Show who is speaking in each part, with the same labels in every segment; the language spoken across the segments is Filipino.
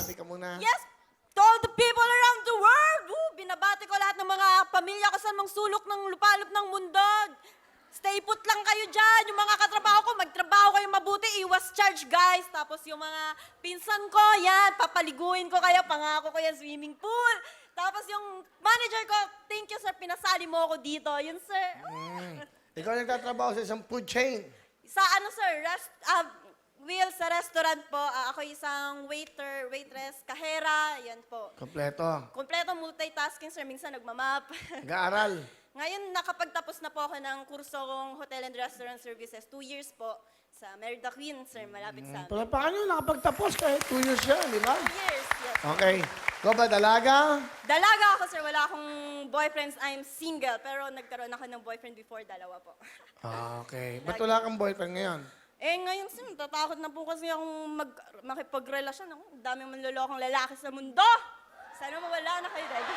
Speaker 1: bati ka muna.
Speaker 2: Yes, to all the people around the world. Binabati ko lahat ng mga pamilya ko sa mga sulok ng lupalop ng mundo. Stay put lang kayo dyan. Yung mga katrabaho ko, magtrabaho kayo mabuti. Iwas charge, guys. Tapos yung mga pinsan ko, yan, papaliguin ko kayo. Pangako ko yan, swimming pool. Tapos yung manager ko, thank you, sir. Pinasali mo ako dito. Yun, sir.
Speaker 1: Ikaw nagtatrabaho sa isang food chain.
Speaker 2: Sa ano, sir? Will, sa restaurant po. Ako isang waiter, waitress, kahera. Yan po.
Speaker 1: Kompleto.
Speaker 2: Kompleto multitasking, sir. Minsan nagmamap.
Speaker 1: Nag-aaral.
Speaker 2: Ngayon, nakapagtapos na po ako ng kursong Hotel and Restaurant Services. 2 years po sa Merida Queen, sir. Malapit sa amin.
Speaker 1: Palapakan nyo, nakapagtapos kahit 2 years siya, di ba?
Speaker 2: 2 years, yes.
Speaker 1: Okay. Ikaw ba, dalaga?
Speaker 2: Dalaga ako, sir. Wala akong boyfriends. I'm single. Pero nagkaroon ako ng boyfriend before, dalawa po.
Speaker 1: Okay. Ba't wala kang boyfriend ngayon?
Speaker 2: Ngayon, sir, natatakot na po kasi akong makipagrelasyon. Ang daming manlolokong lalaki sa mundo. Sana mawala na kayo, Daddy.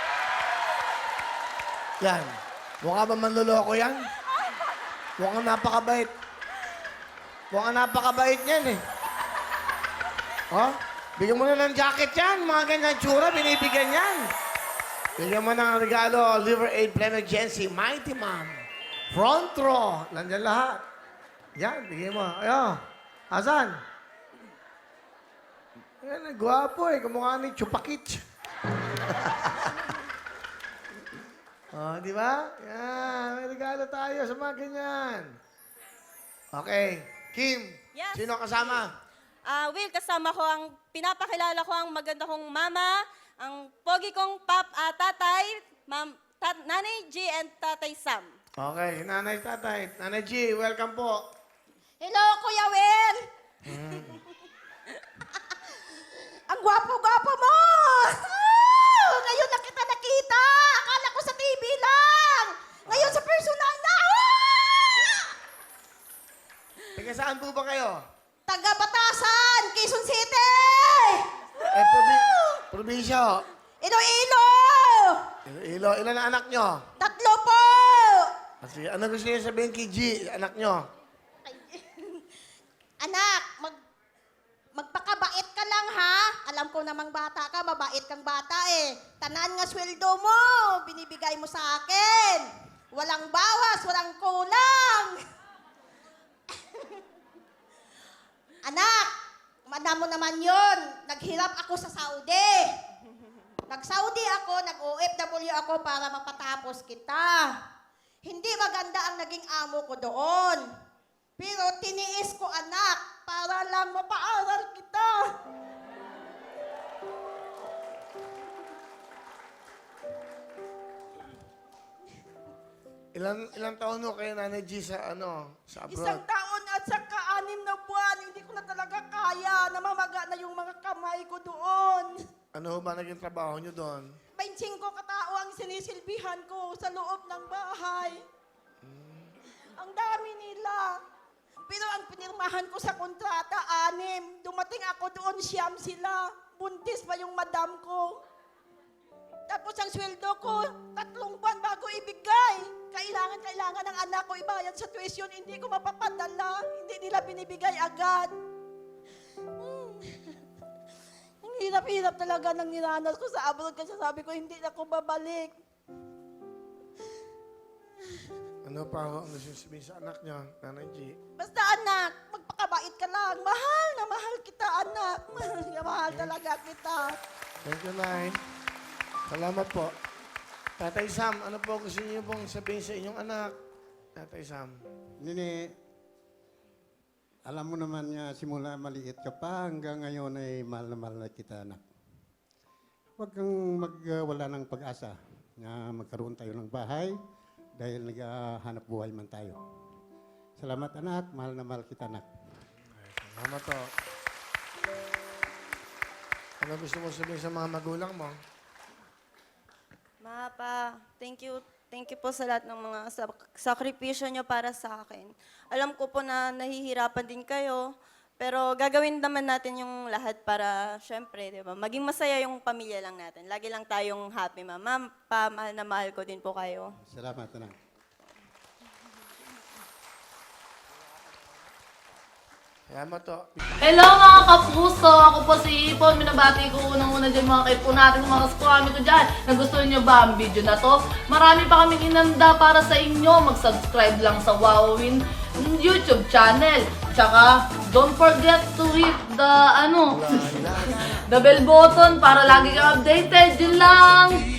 Speaker 1: Yan. Mukha ba manloloko yan? Mukhang napakabait. Mukhang napakabait yan eh. Oh? Bigyan mo na ng jacket yan. Mga ganyan tsura, binibigyan yan. Bigyan mo ng regalo, Liver Aid Plan Agency, Mighty Mom. Front row. Nandiyan lahat. Yan, bigyan mo. Ayo. Asan? Yan, gwapo eh. Kumukha ni Chupakich. Oh, di ba? Yan, may regalo tayo sa mga ganyan. Okay. Kim,
Speaker 2: Yes.
Speaker 1: sino kasama?
Speaker 2: Will, kasama ko pinapakilala ko ang maganda kong mama, ang pogi kong tatay, Nanay G and Tatay Sam.
Speaker 1: Okay, Nanay Tatay. Nanay G, welcome po.
Speaker 3: Hello, Kuya Will! Ang gwapo-gwapo mo! Ngayon na kita nakita! Akala ko sa TV lang! Ngayon sa personal na!
Speaker 1: Taga saan po ba kayo?
Speaker 3: Taga Batasan, Quezon City!
Speaker 1: Probinsya ho.
Speaker 3: Iloilo!
Speaker 1: Iloilo. Ilan ang anak nyo?
Speaker 3: 3 po!
Speaker 1: Kasi, ano gusto niyo sabihin kay G, anak nyo?
Speaker 3: Anak, magpakabait ka lang ha. Alam ko namang bata ka, mabait kang bata eh. Tanan nga sweldo mo, binibigay mo sa akin. Walang bawas, walang kulang. Anak, madam mo naman yun. Naghirap ako sa Saudi. Nag-Saudi ako, nag-OFW ako para mapatapos kita. Hindi maganda ang naging amo ko doon. Pero tiniis ko, anak, para lang mapaaral kita.
Speaker 1: Ilang taon ho kayo, Nanay G, sa sa abroad?
Speaker 3: 1 taon at saka 6 na buwan, hindi ko na talaga kaya. Namamaga na yung mga kamay ko doon.
Speaker 1: Ano ho ba naging trabaho nyo doon?
Speaker 3: 25 katao ang sinisilbihan ko sa loob ng bahay. Ang dami nila. Pero ang pinirmahan ko sa kontrata, 6. Dumating ako doon, 9 sila. Buntis pa yung madam ko. Tapos ang sweldo ko, 3 buwan bago ibigay. Kailangan ng anak ko ibayad sa tuition, hindi ko mapapadala. Hindi nila binibigay agad. Ang hirap-hirap talaga ng niranas ko sa abroad kasi sabi ko, hindi na ako babalik.
Speaker 1: Ano pa ho ang gusto sabihin sa anak nyo, Nanay G?
Speaker 3: Basta anak, magpakabait ka lang. Mahal na mahal kita, anak. Mahal talaga kita.
Speaker 1: Thank you, Nay. Salamat po. Tatay Sam, ano po gusto niyo pong sabihin sa inyong anak? Tatay Sam.
Speaker 4: Nini, alam mo naman nga, simula maliit ka pa, hanggang ngayon ay mahal na kita, anak. Huwag kang magwala ng pag-asa na magkaroon tayo ng bahay dahil naghahanap buhay man tayo. Salamat, anak. Mahal na mahal kita, anak.
Speaker 1: Salamat po. Ano gusto mo sabihin sa mga magulang mo?
Speaker 2: Pa, thank you. Thank you po sa lahat ng mga sakripisyo nyo para sa akin. Alam ko po na nahihirapan din kayo, pero gagawin naman natin yung lahat para, syempre, di ba, maging masaya yung pamilya lang natin. Lagi lang tayong happy, ma'am. Ma'am, pa, mahal na mahal ko din po kayo.
Speaker 4: Salamat, anak.
Speaker 1: Salamat to.
Speaker 5: Hello mga kapuso! Ako po si Ipon. Minabati ko unang-una dyan mga kaipo natin, mga kaskwami ko dyan. Nagustuhan nyo ba ang video na to? Marami pa kaming inanda para sa inyo. Mag-subscribe lang sa Wowin YouTube channel. Tsaka, don't forget to hit the, the bell button para lagi kang updated. Yun lang!